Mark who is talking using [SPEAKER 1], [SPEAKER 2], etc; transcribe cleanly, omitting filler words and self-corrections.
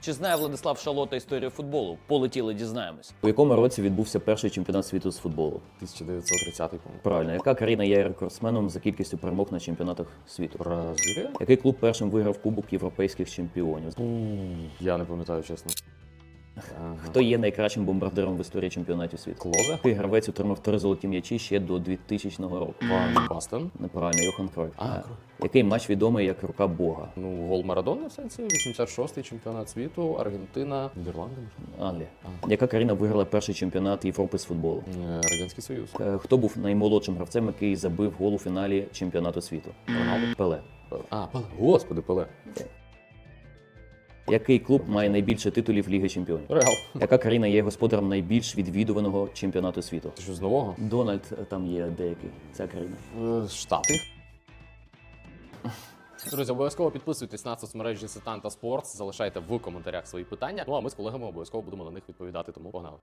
[SPEAKER 1] Чи знає Владислав Шалота історію футболу? Полетіли, дізнаємось. У якому році відбувся перший чемпіонат світу з футболу?
[SPEAKER 2] 1930 по-моєму.
[SPEAKER 1] Правильно. Яка країна є рекордсменом за кількістю перемог на чемпіонатах світу?
[SPEAKER 2] Бразилія?
[SPEAKER 1] Який клуб першим виграв Кубок європейських чемпіонів?
[SPEAKER 2] Я не пам'ятаю, чесно.
[SPEAKER 1] Хто є найкращим бомбардиром в історії чемпіонатів світу?
[SPEAKER 2] Клозе?
[SPEAKER 1] Який гравець отримав 3 золоті м'ячі ще до 2000 року?
[SPEAKER 2] Ван Бастен?
[SPEAKER 1] Неправильно, Йохан Кройф.
[SPEAKER 2] Кройф.
[SPEAKER 1] Який матч відомий як рука Бога?
[SPEAKER 2] Ну, гол Марадона в сенсі, 86-й чемпіонат світу, Аргентина, Нідерланди, може?
[SPEAKER 1] Англія. Яка країна виграла перший чемпіонат Європи з футболу?
[SPEAKER 2] Радянський Союз.
[SPEAKER 1] Хто був наймолодшим гравцем, який забив гол у фіналі чемпіонату світу?
[SPEAKER 2] Роналдо?
[SPEAKER 1] Пеле.
[SPEAKER 2] Пеле. Господи, Пеле.
[SPEAKER 1] Який клуб має найбільше титулів Ліги Чемпіонів?
[SPEAKER 2] Реал.
[SPEAKER 1] Яка країна є господарем найбільш відвідуваного чемпіонату світу?
[SPEAKER 2] Це що з нового?
[SPEAKER 1] Дональд там є деякий. Ця країна.
[SPEAKER 2] Штати. Друзі, обов'язково підписуйтесь на соцмережі Сетан та Спортс, залишайте в коментарях свої питання. Ну а ми з колегами обов'язково будемо на них відповідати, тому погнали.